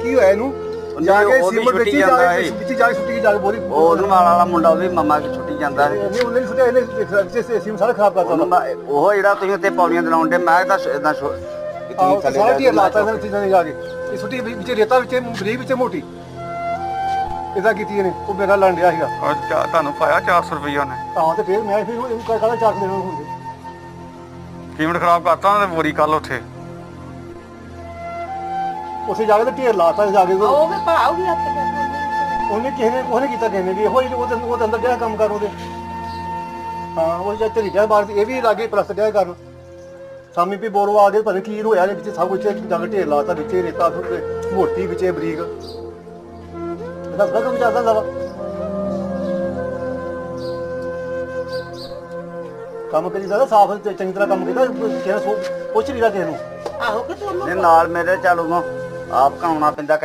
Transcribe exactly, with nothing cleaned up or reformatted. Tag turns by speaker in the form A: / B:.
A: ਕੀ ਹੋਇਆ ਇਹਨੂੰ ਜਾ ਕੇ ਸੀਮਟ ਵਿੱਚ ਜਾ ਕੇ ਵਿੱਚ ਜਾ ਕੇ ਸੁੱਟੀ ਜਾ ਕੇ ਬੋਰੀ
B: ਉਹ ਨਾਲ ਵਾਲਾ ਮੁੰਡਾ ਉਹਦੀ ਮੰਮਾ ਕੇ ਛੁੱਟੀ ਜਾਂਦਾ
A: ਨਹੀਂ ਉਹਨੇ ਸੁੱਟਿਆ ਇਹਨੇ ਸੀਮ ਸਾਰਾ ਖਰਾਬ ਕਰਤਾ
B: ਉਹ ਜਿਹੜਾ ਤੁਸੀਂ ਉੱਤੇ ਪੌੜੀਆਂ ਤੇ ਲਾਉਂਦੇ ਮੈਂ ਤਾਂ ਇਦਾਂ
A: ਸਾਰਾ ਢੇਰ ਲਾਤਾ ਇਹਨਾਂ ਚੀਜ਼ਾਂ ਨੇ ਜਾ ਕੇ ਇਹ ਸੁੱਟੀ ਵਿੱਚ ਰੇਤਾ ਵਿੱਚ ਬਰੀਕ ਵਿੱਚ ਮੋਟੀ ਇਦਾਂ ਕੀਤੀ ਇਹਨੇ ਉਹ ਮੇਰਾ ਲੰਡ ਰਿਹਾ ਸੀਗਾ
C: ਅੱਛਾ ਤੁਹਾਨੂੰ ਪਾਇਆ ਚਾਰ ਸੌ ਰੁਪਈਆ ਨੇ
A: ਤਾਂ ਤੇ ਫਿਰ ਮੈਂ ਫਿਰ ਇਹਨੂੰ ਕਹਿੰਦਾ ਚਾਰ ਦੇਣਾ ਹੁੰਦੇ
C: ਕੀਮਤ ਖਰਾਬ ਕਰਤਾ ਉਹਨੇ ਬੋਰੀ ਕੱਲ ਉੱਥੇ
A: ਉਸੇ ਜਾ ਕੇ ਤੇ ਢੇਰ ਲਾਤਾ ਜਾ ਕੇ
D: ਉਹ ਵੀ ਭਾਉ ਵੀ ਹੱਥ ਕਰ
A: ਉਹਨੇ ਕਿਸੇ ਨੇ ਉਹਨੇ ਕੀਤਾ ਕਿਸੇ ਨੇ ਵੀ ਇਹੋ ਹੀ ਉਹਦੇ ਉਹਦੇ ਅੰਦਰ ਜਿਹੜਾ ਕੰਮ ਕਰ ਉਹਦੇ ਹਾਂ ਉਹ ਜਦ ਤੇਰੀ ਜਾ ਬਾਹਰ ਇਹ ਵੀ ਲਾਗੇ ਪ੍ਰਸਤ ਡਿਆ ਕਰਨ ਸਾਮੀ ਵੀ ਬੋਰੋ ਆ ਗਏ ਪਤਾ ਕੀ ਹੋਇਆ ਵਿੱਚ ਸਭ ਕੁਝ ਜਾ ਕੇ ਢੇਰ ਲਾਤਾ ਵਿੱਚ ਰੇਤਾ ਸੁੱਟ ਮੋਟੀ ਵਿੱਚ ਬਰੀਕ ਇਹਦਾ ਬੜਾ ਕੰਮ ਚੱਲਦਾ ਹੁੰਦਾ ਵਾ ਕੰਮ ਕਰੀ ਜਾਂਦਾ ਸਾਫ ਚੰਗੀ ਤਰ੍ਹਾਂ ਕੰਮ ਕੀਤਾ ਕਿਸੇ ਨੂੰ ਪੁੱਛ ਨਹੀਂ ਰਿਹਾ ਕਿਸੇ ਨੂੰ
D: ਆਹੋ ਕਿ ਤੂੰ
B: ਨਾਲ ਮੇਰੇ ਚੱਲੂਗਾ ਆਪ ਕਾਉਣਾ ਪੈਂਦਾ।